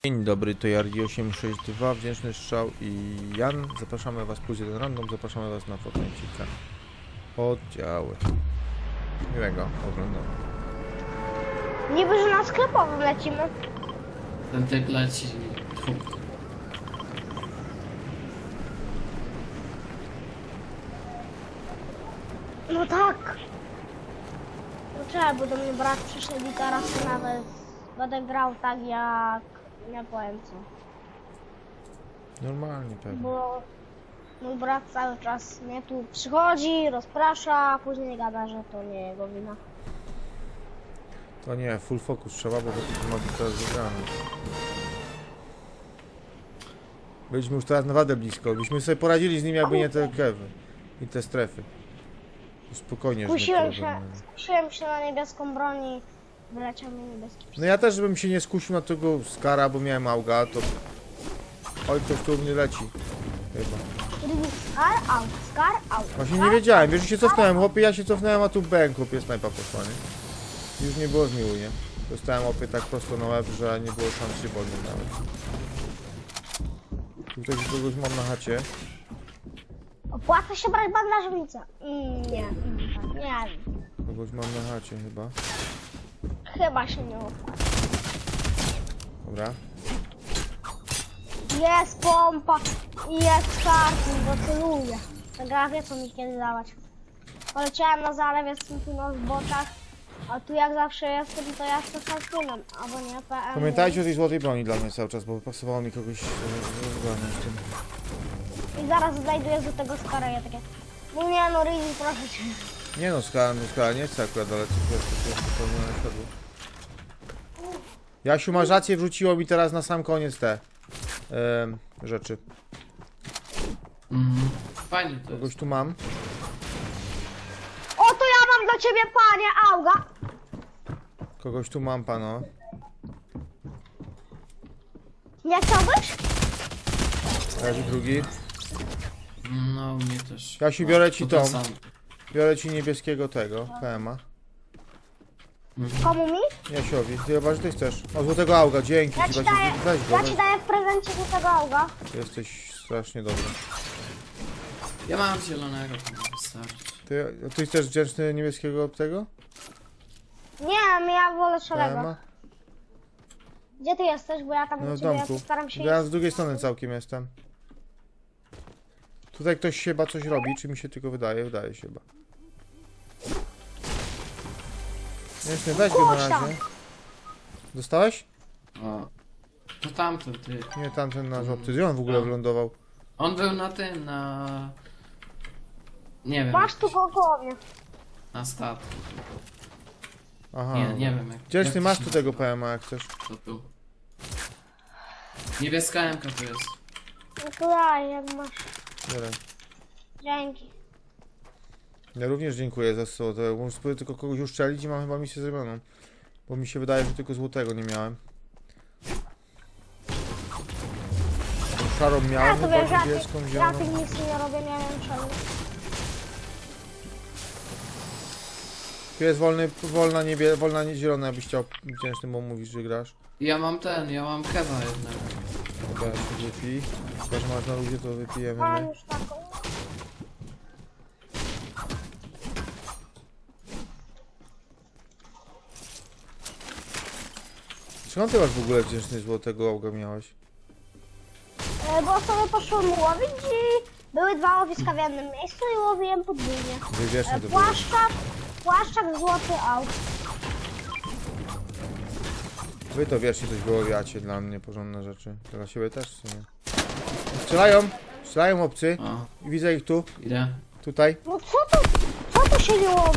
Dzień dobry, to Jardi862, Wdzięczny Strzał i Jan. Zapraszamy was, plus jeden random, zapraszamy was na Fortnite'cika. Oddziały. Miłego oglądania. Niby, że na sklepowym lecimy. Ten typ leci. No tak. No trzeba, bo do mnie brat przyszedł i teraz nawet będę grał tak jak... nie powiem co. Normalnie pewnie. Bo mój brat cały czas mnie tu przychodzi, rozprasza, a później gada, że to nie jego wina. To nie, full focus trzeba, bo to ma być teraz wygrany. Byliśmy już teraz naprawdę blisko, byśmy sobie poradzili z nim, jakby nie te kewy i te strefy. Spokojnie, że Skusiłem się na niebieską broń i wyleciał mi niebieski. No ja też bym się nie skusił na tego skara, bo miałem auga, to... Oj, ktoś tu u mnie leci. Chyba. Scar out. Właśnie nie wiedziałem, wiesz, że się cofnąłem, chłopie, ja się cofnąłem, a tu bęk, chłopie, snajpa poszła, nie? Już nie było zmiłu, nie? Dostałem chłopie tak prosto na łeb, że nie było szans się podnieść nawet. Tutaj kogoś mam na chacie. Opłaca się brać bandażownicę? Nie. Nie wiem. Kogoś mam na chacie chyba. Chyba się nie opłaca. Dobra. Jest pompa i jest karty, bo celuję. Ta gra wie co mi kiedy dawać. Poleciałem na zalew, jestem tu na zboczach, a tu jak zawsze jestem, to ja jestem harpunem, albo nie, PM. Pamiętajcie o tej złotej broni dla mnie cały czas, bo pasowało mi kogoś z tym. I zaraz znajduję do tego skara, ja takie... No nie no, Rizzy, proszę cię. Nie no, skala nie chcę akurat, ale coś jest zupełnie na światło. Jasiu, masz rację, wrzuciło mi teraz na sam koniec te rzeczy. Fajnie to Kogoś jest. tu mam. O, to ja mam dla ciebie, panie Auga. Kogoś tu mam, pano. Nie chciałbyś? Leży drugi. No, mnie też. Jasiu, biorę ci To ten tą. sam. Biorę ci niebieskiego tego, PMA. Komu mi? Jasiowi, ty chyba, że ty chcesz. O, złotego auga, dzięki Ja ci, ci Basiu, daję, weź go, ja ci daję w prezencie do tego Auga. Jesteś strasznie dobry. Ja mam zielonego, to wystarczy. Ty chcesz wdzięczny niebieskiego tego? Nie, ja wolę szarego. PMA? Gdzie ty jesteś? Bo ja tam No do w ciebie domku. staram się Ja z drugiej strony całkiem jestem. Tutaj ktoś się chyba coś robi, czy mi się tylko wydaje? Wydaje się chyba. Nie, weź go na Chodź tam. razie. Dostałeś? O. To tamten ty. Nie, tamten nasz obcy. Gdzie on w ogóle wylądował? On był na tym, na... Nie wiem. Masz tu koło mnie. Na statku. Aha. Nie wiem jak... Wdzięczny, jak masz to tu się tego PMA jak chcesz. nazywa, to tu. Niebieska MK tu jest. No to daj, jak masz. Biorę. Dzięki. Ja również dziękuję za złote. Muszę spróbować tylko kogoś uszczelić i mam chyba misję zrobioną. Bo mi się wydaje, że tylko złotego nie miałem. Tą szarą Ja miałem, to chyba wiesz, ja niebieską, tych zieloną. nic nie robię, nie wiem czemu. Tu jest wolna zielona, jakbyś chciał wdzięczny, bo mówisz, że grasz. Ja mam kewa jednego. Dobra, się wypij. Chyba, że masz na ludzie, to wypijemy Mam my. już taką. Skąd ty masz w ogóle wdzięczny złotego auga miałeś? Bo sobie poszłem łowić i były dwa łowiska w jednym miejscu i łowiłem podwójnie. Wybierzmy to było. Płaszczak złoty aut. Wy to wiecznie coś wyłowiacie dla mnie, porządne rzeczy. Dla siebie też w sumie. Strzelają obcy. O, I widzę ich tu, idę. tutaj. No co tu się nie łowi?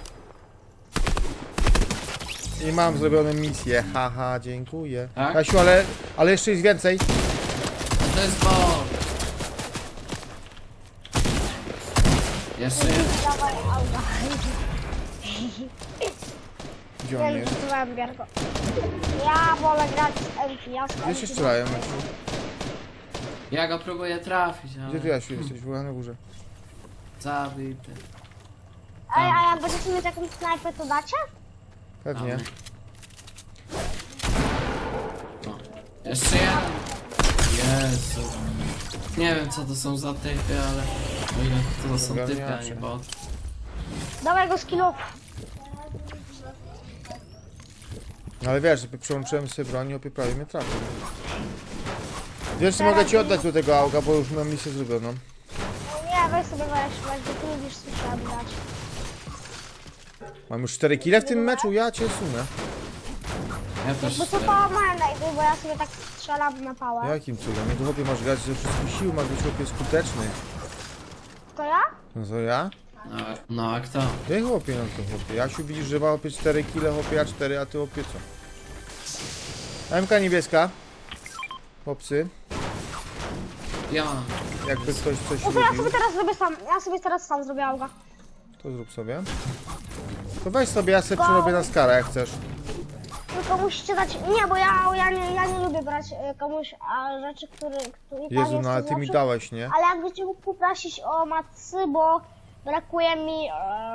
I mam zrobioną misję. Haha, dziękuję. Tak? Kasiu, ale jeszcze jest więcej. To jest bot. Jeszcze jest. Dawaj auta. Gdzie on Nie jest? wiem, Bierko. Ja wolę grać z Elki, ja z Gdzie się Elki. strzelają, Jasiu? Ja go próbuję trafić, ale... Gdzie ty, Jasiu, jesteś? W ogóle na górze. Zabity. Ej, a jak będziecie mieć jakąś snajpę, to dacie? Pewnie. O. Jeszcze jeden. Jezu. Nie wiem co to są za typy, ale... O ile to są typy, a nie bot. Dawaj go skillu. No ale wiesz, przełączyłem sobie broń i opie prawie mnie trafił. Wiesz, co mogę ci oddać do tego auga, bo już mam misję zrobioną. Nie, weź sobie weź, bo ty lubisz słyszeć grać. Mam już 4 kile w tym meczu, ja cię sunę. Ja też Bo co pałamałem najpierw, bo ja sobie tak strzelam na pałę. Jakim cudem? Nie tu chłopie masz grać ze wszystkich sił, masz być chłopie skuteczny. To ja? No co ja? No a kto? Ty chłopie, no to chłopie. Jasiu widzisz, że ma chłopie 4 kile, chłopie, ja 4, a ty chłopie co? MK niebieska. Chłopcy, Ja. jakby ktoś coś No to ja robił, sobie teraz zrobię sam. Ja sobie teraz sam zrobię auga. to zrób sobie. To weź sobie, ja sobie przerobię na skarę, jak chcesz. Tylko musicie dać. Nie, bo ja nie lubię brać komuś rzeczy, które i tam Jezu, jest no ale to ty mi zawsze. dałeś, nie? Ale jakby cię mógł poprosić o macy, bo brakuje mi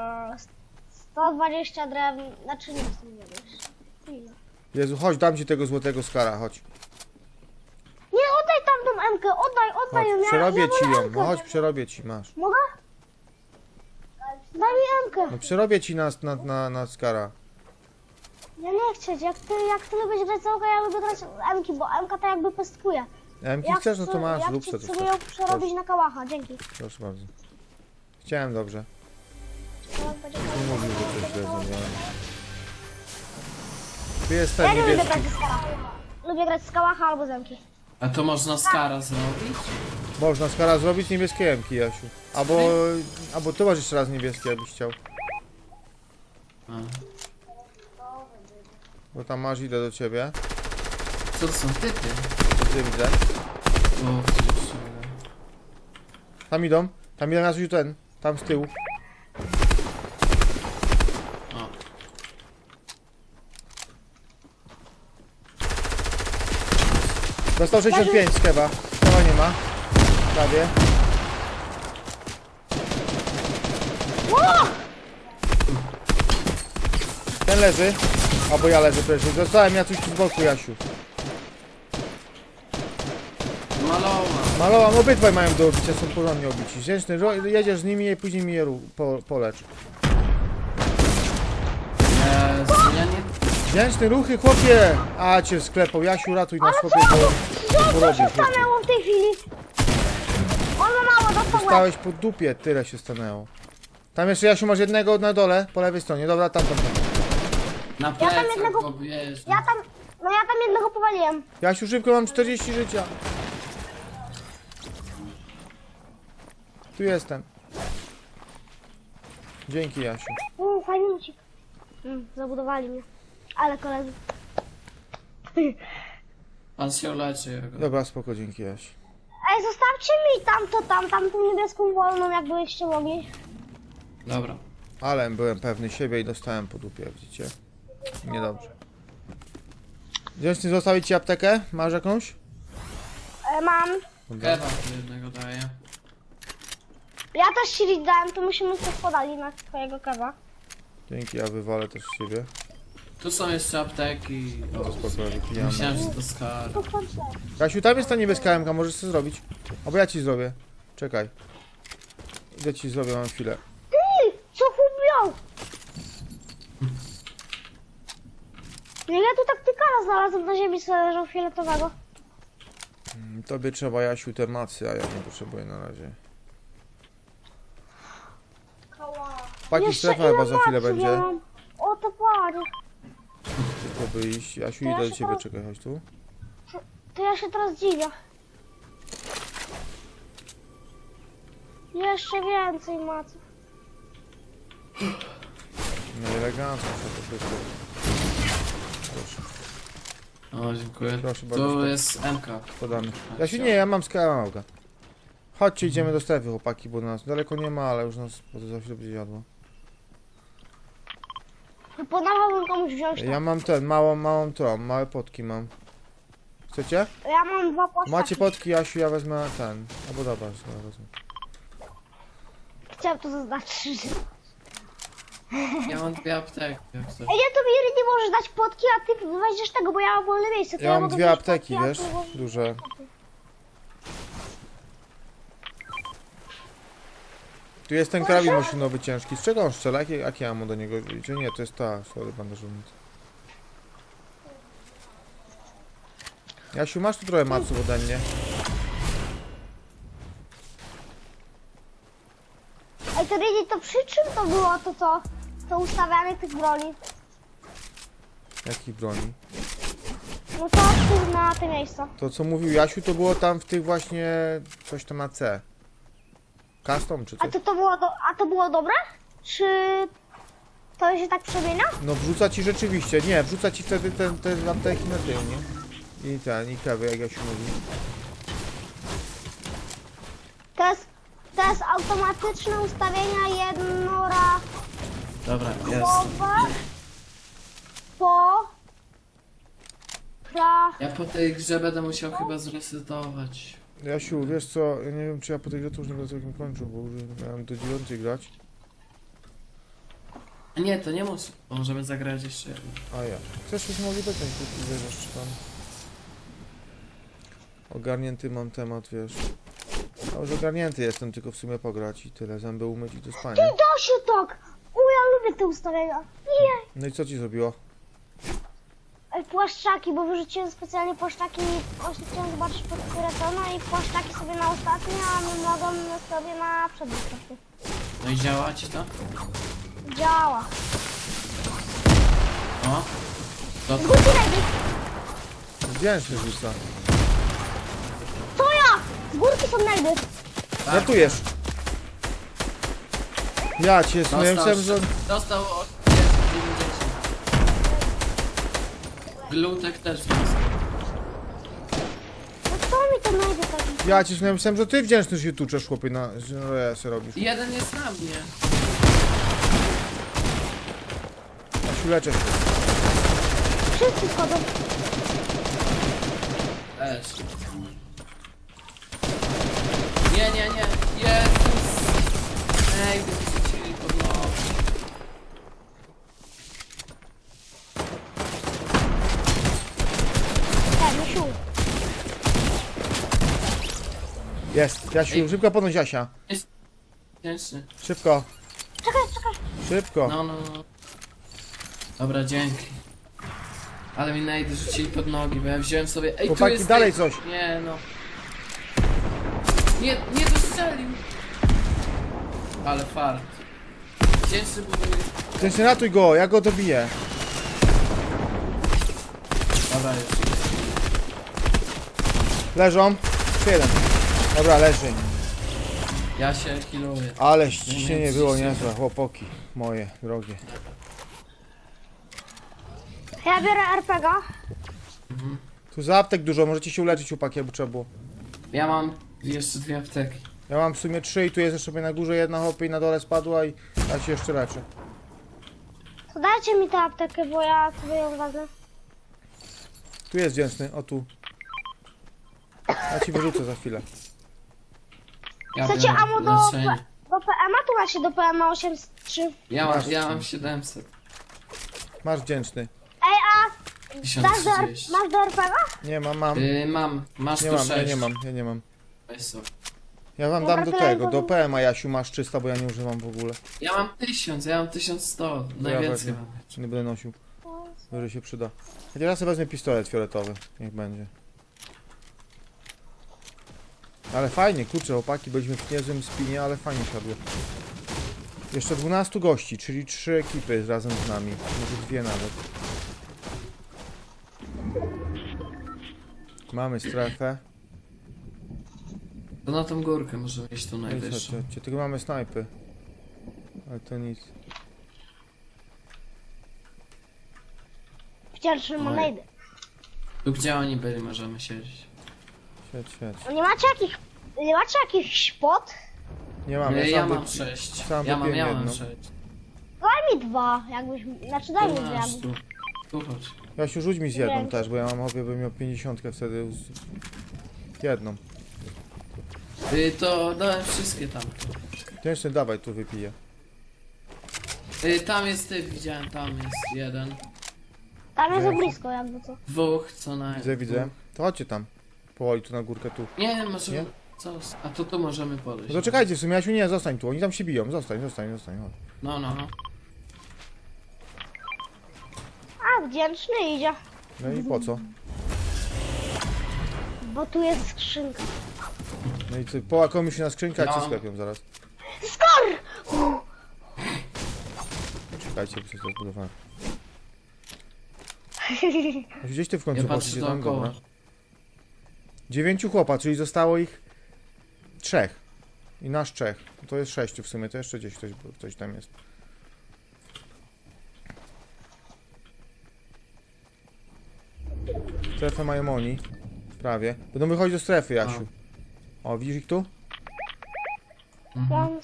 120 drewna. Znaczy nie chcę nie wiesz. Ile? Jezu, chodź, dam ci tego złotego skara, chodź. Nie, oddaj tam tą Emkę, oddaj Chodź, ją. przerobię ja ci wolę ją, Emkę. no chodź, przerobię ci, masz. Mogę? Daj mi Emkę. No przerobię ci na skara. Ja nie chcę, jak ty lubisz grać za ja lubię grać Emki, bo Emka to jakby pestkuje. MK chcesz, no to masz, jak rób ci sobie to. sobie ją przerobić na kałacha, dzięki. Proszę bardzo. Chciałem dobrze. No, będzie Nie mówił, że coś źle zrobiłem. Tu jest Ja ten nie lubię niebieski. grać z kałacha. Lubię grać z kałacha albo z Emki. A to można skara zrobić? Można skara zrobić niebieskie MK, Jasiu. Albo tu masz jeszcze raz niebieskie, jakbyś chciał. A. Bo tam masz, idę do ciebie. Co to są typy? Ty widzę. O, gdzieś się wyda. Tam idą Jasiu ten. Tam z tyłu. O. Dostał 65 z keba. Keba nie ma. Prawie. Ten leży. Albo ja leżę przecież. Dostałem ja coś tu z boku, Jasiu. Malowa. Malowam, obydwaj mają do obicia, są porządnie obici. Wdzięczny, jedziesz z nimi i później mi je polecz. Jezu, ja nie... Wdzięczny, ruchy, chłopie! A cię sklepał, Jasiu, ratuj nas, chłopie, bo Co porobił, się chłopie. stanęło w tej chwili? On ma mało, dostał łeb. Stałeś po dupie, tyle się stanęło. Tam jeszcze, Jasiu, masz jednego na dole, po lewej stronie, dobra, tam. Na tam plecach jednego- go bierz. Ja tam jednego powaliłem. Jasiu, szybko, mam 40 życia. Tu jestem. Dzięki, Jasiu. Fajny lucik. Zabudowali mnie. Ale koledzy. On się leczy jego. Dobra, spoko, dzięki, Jasiu. Ej, zostawcie mi tamtą niebieską wolną, jakbyście mogli. Dobra. Ale byłem pewny siebie i dostałem po dupie, widzicie? Niedobrze. Wdzięczny, zostawić ci aptekę? Masz jakąś? Mam. Kebab jednego daję. Ja też ci dałem, to musimy coś podali na twojego kewa. Dzięki, ja wywalę też z siebie. Tu są jeszcze apteki. No to O, spoko, wypijamy. myślałem, że to skar. To chodź. Kasiu, tam jest ta niebieska MK, możesz sobie zrobić. Albo ja ci zrobię. Czekaj. Idę ci zrobię, mam chwilę. Ty, co chłop miał? Ja tu taktykala znalazłem na ziemi, sobie leżał fioletowego. Tobie trzeba, Jasiu, te macy, a ja nie potrzebuję na razie. Paki strefa chyba za chwilę macy będzie. miałam? O, to panie. Tylko by iść. Jasiu, To ja idę do się ciebie, teraz- czekaj, chodź tu. To ja się teraz dziwię. Jeszcze więcej maców. No elegancko, to tylko. Proszę, O, dziękuję. Proszę bardzo, Tu stop. jest MK. podamy. Jasiu, nie, ja mam skałkę. Chodźcie, idziemy do strefy, chłopaki, bo nas daleko nie ma, ale już nas bo to za chwilę będzie jadło. Proponowałbym komuś wziąć to. Ja mam małą tą, małe potki mam. Chcecie? Ja mam dwa płaszczaki. Macie potki, Jasiu, ja wezmę ten. Albo dobra, ja wezmę. Chciałem to zaznaczyć. Ja mam 2 apteki, jak coś. Ej, nie, to mi nie możesz dać potki, a ty weźmiesz tego, bo ja mam wolne miejsce. To Ja mam mogę 2 wziąć apteki, potki, a wiesz? ty możesz- Duże. Tu jest ten karabin maszynowy ciężki. Z czego on strzela? Jakie ammo do niego? Czy nie, to jest ta, sorry, bandażownica. Jasiu, masz tu trochę maców ode mnie. Ej, to Rydy, to przy czym to było to ustawianie tych broni? Jakich broni? No to tu na te miejsca. To co mówił Jasiu, to było tam w tych właśnie... coś tam na C. Custom czy A coś? to było dobre? Czy to się tak przemienia? No wrzuca ci rzeczywiście, nie, wrzuca ci wtedy te apteki na tył, nie? I kawy, jak Jasiu mówi. To jest automatyczne ustawienia jednorazowe Dobra, jest. po Ja po tej grze będę musiał chyba zresetować. Jasiu, wiesz co, ja nie wiem czy ja po tej grze to już nie będę całkiem kończył, bo już miałem do 9 grać. A nie, to nie musi. Możemy zagrać jeszcze jedno. A ja. Chcesz już mogli dopiąć, wiesz, czy tam... Ogarnięty mam temat, wiesz. A już ogarnięty jestem, tylko w sumie pograć i tyle, zęby umyć i do spania. Ty da się tak! O, ja lubię te ustawienia. Nie! No i co ci zrobiło? Ej, płaszczaki, bo wyrzuciłem specjalnie płaszczaki i właśnie chciałem zobaczyć pod które to, no i płaszczaki sobie na ostatnie, a my mogą sobie na przednie. No i działa ci to? Działa. O! To Górki Rydy! Wdzięczny rzuca. To ja! Z górki są najdy. Żartujesz! Ja cię, no ja myślałem, że... Dostał od 90. Glutek też dostał. No co mi to najdy taki? Ja cię, no ja myślałem, że ty wdzięczny się tuczesz, chłopie, że se robisz. I jeden jest na mnie. Jasiu, leczę się. Wszyscy wchodzą. Też. Nie, nie, nie. Jezus. Ej, wyrzucili pod nogi. Tak, Misiu. Jest, Jasiu, Ej. szybko podnoś Jasia. Cięższy. Szybko, Czekaj. szybko. No. Dobra, dzięki. Ale mi najdy rzucili pod nogi, bo ja wziąłem sobie... Ej, Chłopaki, tu jest... dalej coś. Nie, no. Nie dostrzelił. Ale fart. Cięższy buduje. Wdzięczny, ratuj go, ja go dobiję. Dobra, już. Leżą. Jeszcze jeden. Dobra, leży. Ja się healuję. Ale ściśnienie było niezłe, chłopoki. Moje, drogie. Ja biorę RPG. Tu za aptek dużo, możecie się uleczyć, chłopaki, jakby trzeba było. Ja mam jeszcze 2 apteki. Ja mam w sumie 3 i tu jest jeszcze na górze jedna hopy i na dole spadła i ja się jeszcze leczę. To dajcie mi tę aptekę, bo ja sobie ją wezmę. Tu jest wdzięczny, o tu. Ja ci wyrzucę za chwilę. Ja Chcecie biorę ammo do leczenie. PM-a? Tu macie do PM-a 803. Ja mam 700. Masz wdzięczny. Ej, a dasz 1030. masz do RPG-a? Nie mam. Mam. Masz Nie tu mam, 6. ja nie mam. Weź sobie. Ja wam Dobra, dam do to ja tego, do to- PM-a Jasiu masz 300, bo ja nie używam w ogóle. Ja mam 1000, ja mam 1100. Najwięcej wezmę. mam. Czy nie będę nosił. Może się przyda. Chociaż ja sobie wezmę pistolet fioletowy. Niech będzie. Ale fajnie, kurczę, chłopaki, byliśmy w niezłym spinie, ale fajnie siadło. Jeszcze 12 gości, czyli 3 ekipy razem z nami. Może 2 nawet. Mamy strefę. To na tą górkę możemy iść tu No i najwyższą. chodźcie, tylko mamy snajpy. Ale to nic. Wdzięczny ma Oj. najdy. Tu gdzie oni byli możemy siedzieć. Siedź. No nie macie jakichś pot? Nie mamy, Nie, sam ja mam wypi- 6. sam Ja mam wypiłem jedną. 6. Daj mi 2, jakbyś, znaczy daj mi Tu 2. masz, tu. Tu chodź. Jasiu, rzuć mi z jedną Wiem. też, bo ja mam hobby, bym miał 50 wtedy. Jedną. To dałem wszystkie tam. Wdzięczny, dawaj, tu wypiję. Tam jest typ, widziałem, tam jest jeden. Tam jest za Gdzie? blisko jakby co. Dwóch co najmniej. Widzę. To chodźcie tam. Powoli tu na górkę tu. Nie, może... Nie? Co? A to tu możemy podejść. No to czekajcie, w sumie Jasiu nie, zostań tu. Oni tam się biją. Zostań, chodź. No. A, wdzięczny idzie. No i po co? Bo tu jest skrzynka. No i co, połakomy się na skrzynkę, a Ja cię mam- sklepią zaraz. Skor! Czekajcie, bo coś to zbudowałem. Gdzieś ty w końcu Ja patrzę poszliście tam, dookoła. dobra. 9 chłopa, czyli zostało ich 3. I nasz 3. To jest 6 w sumie, to jeszcze gdzieś ktoś tam jest. Strefę mają oni. Prawie. Będą wychodzić do strefy, Jasiu. O, widzisz ich tu? Mhm.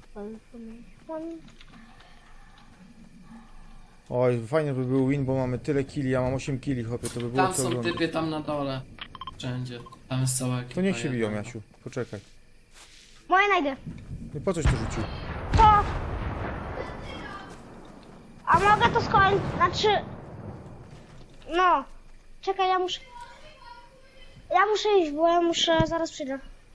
Oj, fajnie by był win, bo mamy tyle killi, ja mam 8 killi, chłopie, to by było Tam co są oglądać. typy, tam na dole. Wszędzie. Tam jest cała ekipa. To niech się jedna. biją, Jasiu. Poczekaj. Moje najdę. No po coś to rzucił? To. A mogę to skończyć? Znaczy... No. Czekaj, ja muszę iść, bo ja muszę... Zaraz przyjdę.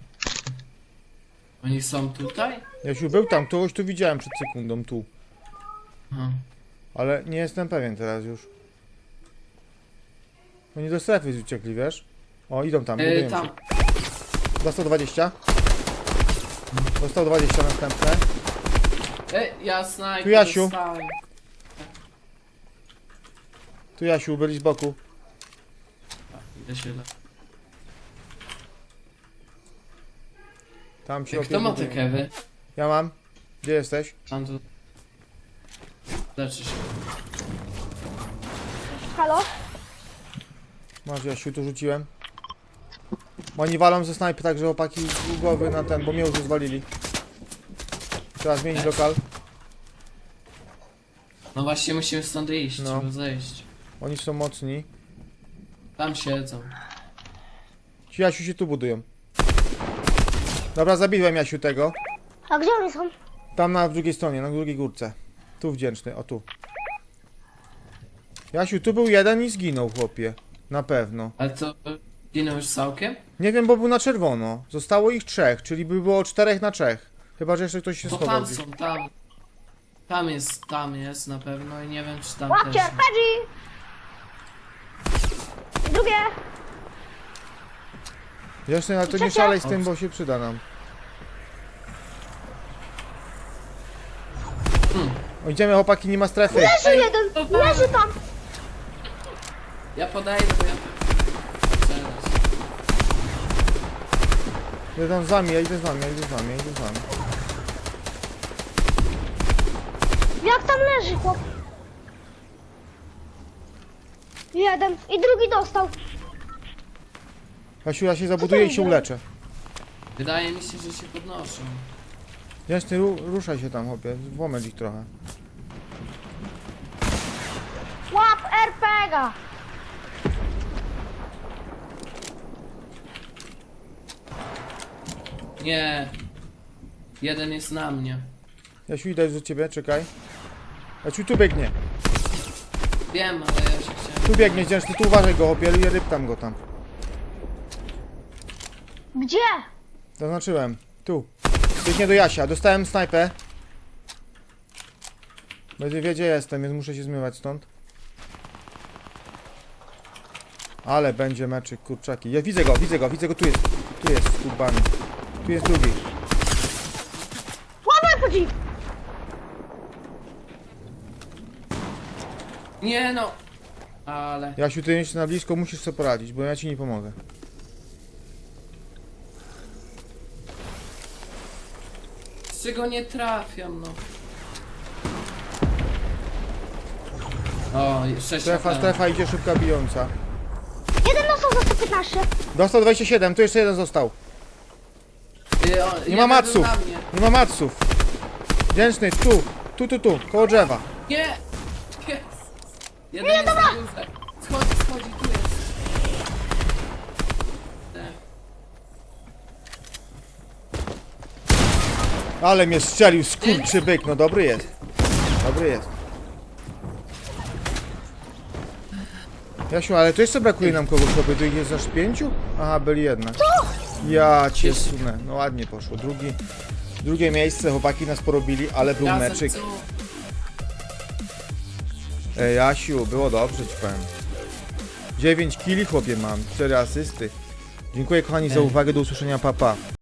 Oni są tutaj? Jasiu, był tam, kogoś tu widziałem przed sekundą, tu. Aha. Ale nie jestem pewien teraz już. Oni do strefy uciekli, wiesz? O, idą tam, budują Tam. się. Dostał 20. Dostał 20 następne. Ja snajper Tu Jasiu. dostałem. Tu Jasiu, byli z boku. Idę się Tam się Kto ma te opiekują. kewy? Ja mam. Gdzie jesteś? Tam tu... Leczy się. Halo? Masz, Jasiu, tu rzuciłem. Oni walą ze snajpy, także opaki z głowy na ten, bo mnie już rozwalili. Trzeba zmienić lokal. No właśnie musimy stąd iść, No. trzeba zejść. Oni są mocni. Tam siedzą. Ci Jasiu się tu budują. Dobra, zabiłem Jasiu tego. A gdzie oni są? Tam na drugiej stronie, na drugiej górce. Tu wdzięczny, o tu. Jasiu, tu był jeden i zginął, chłopie. Na pewno. Ale to... Ginął już całkiem? Nie wiem, bo był na czerwono. Zostało ich 3, czyli by było 4 na 3. Chyba, że jeszcze ktoś się To schował tam gdzieś. są, tam. Tam jest na pewno i nie wiem czy tam Łapcie, też. Pedzi! Drugie! Jasne, ale to nie Trzecie. szalej z tym, bo się przyda nam. O, idziemy, chłopaki, nie ma strefy. Leży Ej, jeden! to Leży tam! Ja podejdę, bo ja... Teraz. Idę tam z wami, ja idę z wami. Jak tam leży, chłop? Jeden i drugi dostał. Jasiu, ja się zabuduję i się uleczę. Wydaje mi się, że się podnoszą. Jasny, ruszaj się tam, chłopie. Włamęcz ich trochę. Łap RPG-a! Nie. Jeden jest na mnie. Jasiu, idę do ciebie, czekaj. Jasiu, tu biegnie. Wiem, ale ja się chciałem... Tu biegnie, wdzięczny, tu uważaj go, chłopie, i ryb tam go tam. Gdzie? Zaznaczyłem. Tu. Biegnie do Jasia. Dostałem snajpę. Będzie wie, gdzie jestem, więc muszę się zmywać stąd. Ale będzie meczyk, kurczaki. Ja widzę go, tu jest. Tu jest, skubany. Tu jest drugi. Łap RPG! Nie no! Ale... Jasiu, ty jesteś na blisko, musisz sobie poradzić, bo ja ci nie pomogę. Z czego nie trafiam, no. O, 6 Strefa, idzie szybka bijąca. Jeden dostał za 115. Dostał 27, tu jeszcze jeden został. Nie ma matsów. Nie ma matsów. Wdzięczny, tu, koło drzewa. Nie! Jest! Jeden jest na górze. Schodzi, tu jest. Ale mnie strzelił, skurczy byk, no dobry jest. Dobry jest. Jasiu, ale to jeszcze brakuje nam kogoś, chłopie, tu ich jest aż 5? Aha, byli jednak. Ja cię sunę, no ładnie poszło. Drugie miejsce, chłopaki nas porobili, ale był Razem meczyk. co? Ej, Jasiu, było dobrze ci powiem. 9 kili, chłopie, mam, 4 asysty. Dziękuję kochani za uwagę, do usłyszenia, papa.